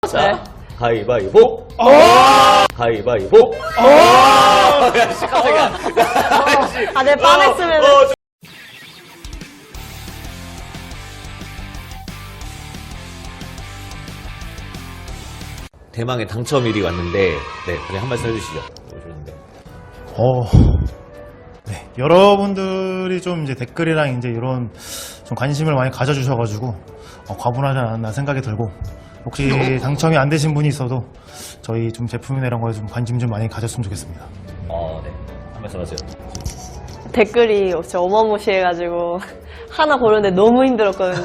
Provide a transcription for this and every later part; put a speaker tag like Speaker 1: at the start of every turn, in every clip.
Speaker 1: 자, 가위바위보. 가위바위보. 야, 씨, 깜짝이야.
Speaker 2: 아, 내 뻔했으면.
Speaker 1: 대망의 당첨일이 왔는데, 네, 그냥 한 말씀 해주시죠. 오셨는데.
Speaker 3: 네, 여러분들이 좀 이제 댓글이랑 이제 이런 좀 관심을 많이 가져주셔가지고 과분하지 않았나 생각이 들고, 혹시 당첨이 안 되신 분이 있어도 저희 좀 제품이나 이런 거에 좀 관심 좀 많이 가졌으면 좋겠습니다.
Speaker 1: 네. 한 말씀 하세요.
Speaker 2: 댓글이 진짜 어마무시해가지고 하나 고르는데 너무 힘들었거든요.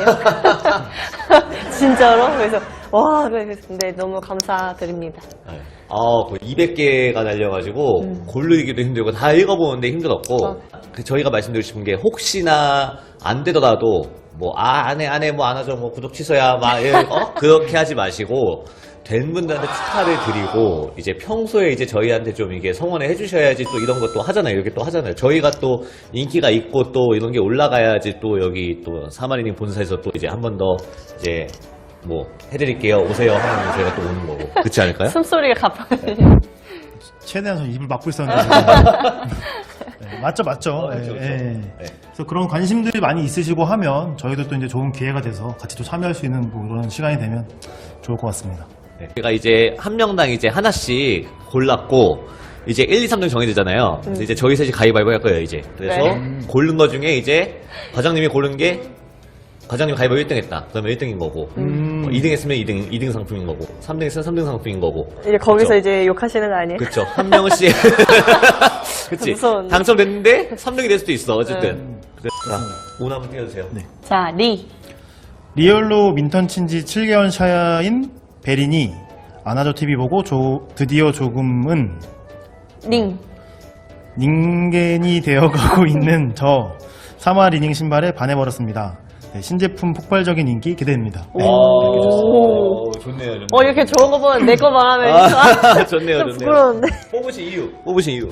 Speaker 2: 진짜로. 그래서 와, 근데 너무 감사드립니다.
Speaker 1: 네. 거의 200개가 달려가지고, 고르기도 힘들고, 다 읽어보는데 힘들었고, 저희가 말씀드리고 싶은 게, 혹시나 안 되더라도, 안 해, 안 하죠, 구독 취소야, 그렇게 하지 마시고, 된 분들한테 축하를 드리고, 이제 평소에 이제 저희한테 좀 이게 성원을 해주셔야지 또 이런 것도 하잖아요. 이렇게 또 하잖아요. 저희가 또 인기가 있고 또 이런 게 올라가야지 또 여기 또 사마리님 본사에서 또 이제 한 번 더 이제 해드릴게요. 오세요 하면 저희가 또 오는 거고. 그렇지 않을까요?
Speaker 2: 숨소리가 가파르네.
Speaker 3: 최대한 좀 입을 막고 있었는데. 네, 맞죠.
Speaker 1: 그렇죠.
Speaker 3: 네. 그래서 그런 관심들이 많이 있으시고 하면 저희도 또 이제 좋은 기회가 돼서 같이 또 참여할 수 있는 그런 시간이 되면 좋을 것 같습니다.
Speaker 1: 네. 제가 이제 한 명당 이제 하나씩 골랐고, 이제 1, 2, 3등 정해지잖아요. 그래서 이제 저희 셋이 가위바위보 할 거예요, 이제. 그래서
Speaker 2: 네.
Speaker 1: 고른 거 중에 이제 과장님이 고른 게 과장님 가위바위보 1등 했다. 그러면 1등인 거고, 2등 했으면 2등 상품인 거고, 3등 했으면 3등 상품인 거고.
Speaker 2: 이제 거기서
Speaker 1: 그쵸?
Speaker 2: 이제 욕하시는 거 아니에요?
Speaker 1: 그쵸. 한 명씩. 그치.
Speaker 2: 무서운데.
Speaker 1: 당첨됐는데 3등이 될 수도 있어, 어쨌든. 자, 운 한번 띄워주세요.
Speaker 3: 네.
Speaker 2: 자,
Speaker 3: 리얼로 민턴 친지 7개월 차인 베린이 아나조 TV 보고 드디어 조금은
Speaker 2: 링.
Speaker 3: 닌겐이 되어가고 있는 저 사마 리닝 신발에 반해버렸습니다. 네, 신제품 폭발적인 인기 기대됩니다. 네.
Speaker 1: 오, 좋네요, 좋네요.
Speaker 2: 이렇게 좋은 거 보면 내 거 말하면
Speaker 1: 좋네요,
Speaker 2: 좀
Speaker 1: 좋네요.
Speaker 2: 부끄러운데.
Speaker 1: 뽑으신 이유.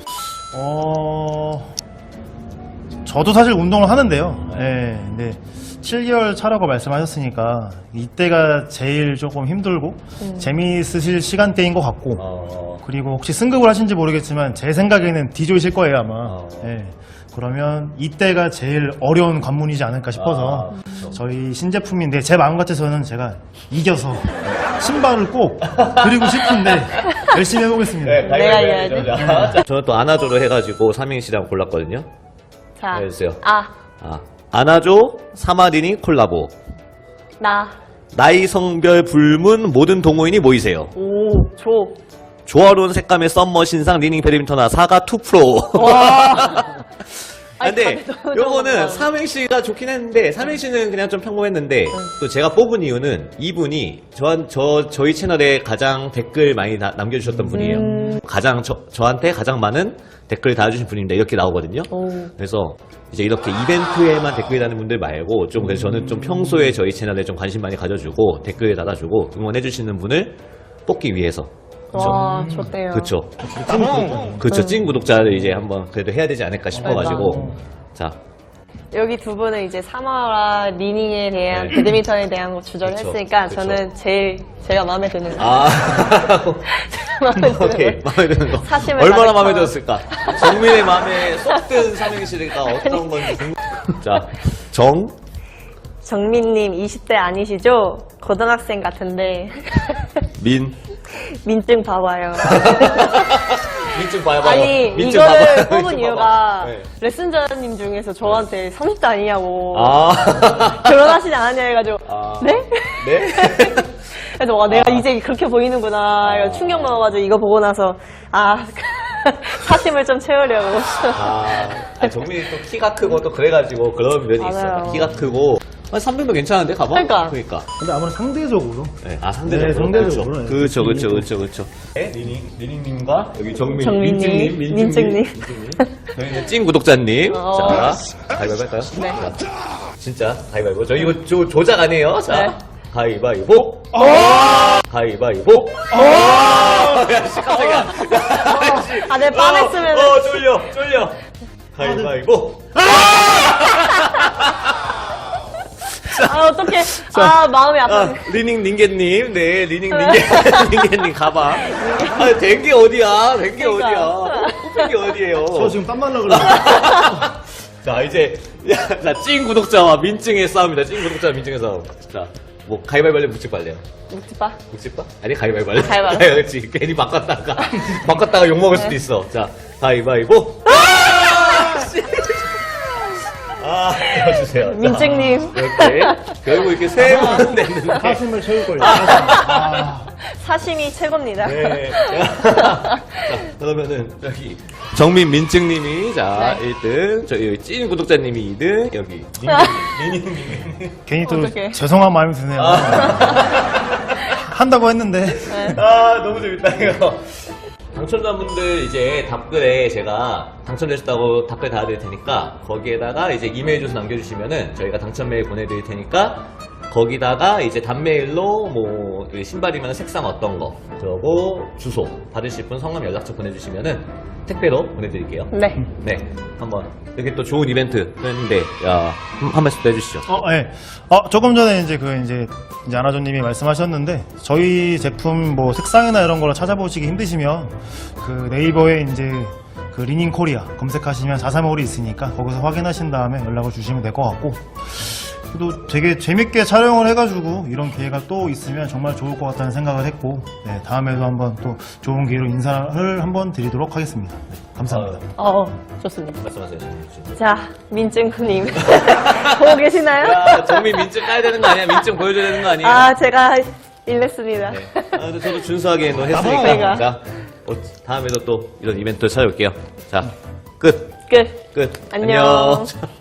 Speaker 3: 저도 사실 운동을 하는데요. 네, 근데 7개월 차라고 말씀하셨으니까 이때가 제일 조금 힘들고 재미있으실 시간대인 것 같고, 그리고 혹시 승급을 하신지 모르겠지만 제 생각에는 D조이실 거예요 아마. 네, 그러면 이때가 제일 어려운 관문이지 않을까 싶어서
Speaker 1: 그렇죠.
Speaker 3: 저희 신제품인데 제 마음 같아서는 제가 이겨서 신발을 꼭 드리고 싶은데 열심히 해보겠습니다.
Speaker 2: 내가 이겨야지.
Speaker 1: 자, 저는 또 아나조로 해가지고 삼행시랑 골랐거든요.
Speaker 2: 자,
Speaker 1: 해주세요.
Speaker 2: 아나조.
Speaker 1: 아나조 사마리니 콜라보.
Speaker 2: 나.
Speaker 1: 나이 성별 불문 모든 동호인이 모이세요.
Speaker 2: 오, 조.
Speaker 1: 조화로운 색감의 썸머 신상 리닝 배드민턴화 사가 2 프로. 근데 요거는 삼행시가 좋긴 했는데 삼행시는 그냥 좀 평범했는데 또 제가 뽑은 이유는 이분이 저희 채널에 가장 댓글 많이 남겨주셨던 분이에요. 가장 저한테 가장 많은 댓글 달아주신 분입니다. 이렇게 나오거든요. 그래서 이제 이렇게 이벤트에만 댓글 다는 분들 말고 좀 그래서 저는 좀 평소에 저희 채널에 좀 관심 많이 가져주고 댓글 달아주고 응원해주시는 분을 뽑기 위해서.
Speaker 2: 와, 좋대요.
Speaker 1: 그쵸. 그쵸. 찐 구독자를 이제 한번 그래도 해야 되지 않을까 싶어가지고. 자.
Speaker 2: 여기 두 분은 이제 사마라 리닝에 대한
Speaker 1: 네.
Speaker 2: 배드민턴에 대한 거 주저를
Speaker 1: 그쵸,
Speaker 2: 했으니까
Speaker 1: 그쵸.
Speaker 2: 저는 제가 마음에 드는 거.
Speaker 1: 오케이. 마음에 드는 거.
Speaker 2: 사심을
Speaker 1: 얼마나
Speaker 2: 가득
Speaker 1: 마음에
Speaker 2: 담아.
Speaker 1: 들었을까? 정민의 마음에 쏙 든 삼행시가 어떤 건지 자,
Speaker 2: 정민님 20대 아니시죠? 고등학생 같은데 민증 봐봐요.
Speaker 1: 민증 봐요.
Speaker 2: 아니
Speaker 1: 민증
Speaker 2: 이거를
Speaker 1: 봐봐요.
Speaker 2: 뽑은
Speaker 1: 민증
Speaker 2: 이유가
Speaker 1: 봐봐. 네.
Speaker 2: 레슨자님 중에서 저한테 30대 아니냐고
Speaker 1: 아.
Speaker 2: 결혼하시지 않았냐 해가지고 네?
Speaker 1: 네?
Speaker 2: 그래서 와 내가 이제 그렇게 보이는구나 이거 충격 먹어가지고 이거 보고 나서 사심을 좀 채우려고.
Speaker 1: 정민이 또 키가 크고 또 그래가지고 그런 면이
Speaker 2: 맞아요.
Speaker 1: 있어. 키가 크고. 300도 괜찮은데, 가봐?
Speaker 2: 그러니까.
Speaker 3: 근데 아무래도 상대적으로.
Speaker 1: 네, 상대적으로.
Speaker 3: 네, 상대적으로. 네.
Speaker 1: 그렇죠. 네, 리닝님과 여기
Speaker 2: 정민님, 민증님.
Speaker 1: 저희는 찐 구독자님.
Speaker 2: 어.
Speaker 1: 자, 가위바위보 할까요?
Speaker 2: 네.
Speaker 1: 자, 진짜, 가위바위보. 저 이거 조작 아니에요? 자,
Speaker 2: 네.
Speaker 1: 가위바위보. 가위바위보. 야, 씨, 깜짝이야.
Speaker 2: 아, 내 뻔했으면.
Speaker 1: 쫄려. 가위바위보.
Speaker 2: 아, 어떡해. 아, 마음이 아파.
Speaker 1: 아, 리닝 닌게님, 네, 리닝 닌게님 가방. 아, 된 게 어디야? 된 게
Speaker 2: 그러니까.
Speaker 1: 어디야? 뽑힌 게 어디예요?
Speaker 3: 저 지금 땀 날라 그래요.
Speaker 1: 자, 이제, 자, 찐 구독자와 민증의 싸움이다. 찐 구독자와 민증의 싸움. 자, 뭐, 가위바위보 할래? 묵직바 할래요?
Speaker 2: 묵지빠.
Speaker 1: 묵직바? 아니, 가위바위보 할래?
Speaker 2: 가위바위보.
Speaker 1: 그렇지. 괜히 바꿨다가 욕먹을 수도 있어. 자, 가위바위보. 아, 해주세요.
Speaker 2: 민증님.
Speaker 1: 이렇게. 결국 이렇게 세 번 됐는데.
Speaker 3: 사심을 채울걸요. 아,
Speaker 2: 사심이 최고입니다.
Speaker 1: 네. 자, 그러면은, 저기, 정민 민증님이, 자,
Speaker 2: 네.
Speaker 1: 1등, 저희 찐 구독자님이 2등, 여기, 니니님이.
Speaker 3: 괜히 또
Speaker 2: 어떡해.
Speaker 3: 죄송한 마음이 드네요. 한다고 했는데.
Speaker 1: 아, 너무 재밌다, 이거. 당첨자분들 이제 답글에 제가 당첨되셨다고 답글 달아드릴 테니까 거기에다가 이제 이메일 주소 남겨주시면은 저희가 당첨 메일 보내드릴 테니까 거기다가 이제 단메일로 뭐 그 신발이면 색상 어떤 거 그러고 주소 받으실 분 성함 연락처 보내주시면은 택배로 보내드릴게요.
Speaker 2: 네.
Speaker 1: 네, 한번 이렇게 또 좋은 이벤트 했는데 한 말씀 더 해주시죠.
Speaker 3: 예. 조금 전에 이제 이제 아나조님이 말씀하셨는데 저희 제품 뭐 색상이나 이런 걸 찾아보시기 힘드시면 그 네이버에 이제 그 리닝 코리아 검색하시면 435홀이 있으니까 거기서 확인하신 다음에 연락을 주시면 될 것 같고 또 되게 재밌게 촬영을 해가지고 이런 기회가 또 있으면 정말 좋을 것 같다는 생각을 했고 네, 다음에도 한번 또 좋은 기회로 인사를 한번 드리도록 하겠습니다. 네, 감사합니다.
Speaker 2: 좋습니다.
Speaker 1: 말씀하세요.
Speaker 2: 자, 민증님. 보고 계시나요?
Speaker 1: 야, 정민 민증 까야 되는 거 아니야? 민증 보여줘야 되는 거 아니에요?
Speaker 2: 아, 제가 일냈습니다.
Speaker 1: 네. 근데 저도 준수하게
Speaker 2: 그러니까.
Speaker 1: 했으니까. 자, 다음에도 또 이런 이벤트 찾아올게요. 자, 끝.
Speaker 2: 끝.
Speaker 1: 끝.
Speaker 2: 안녕.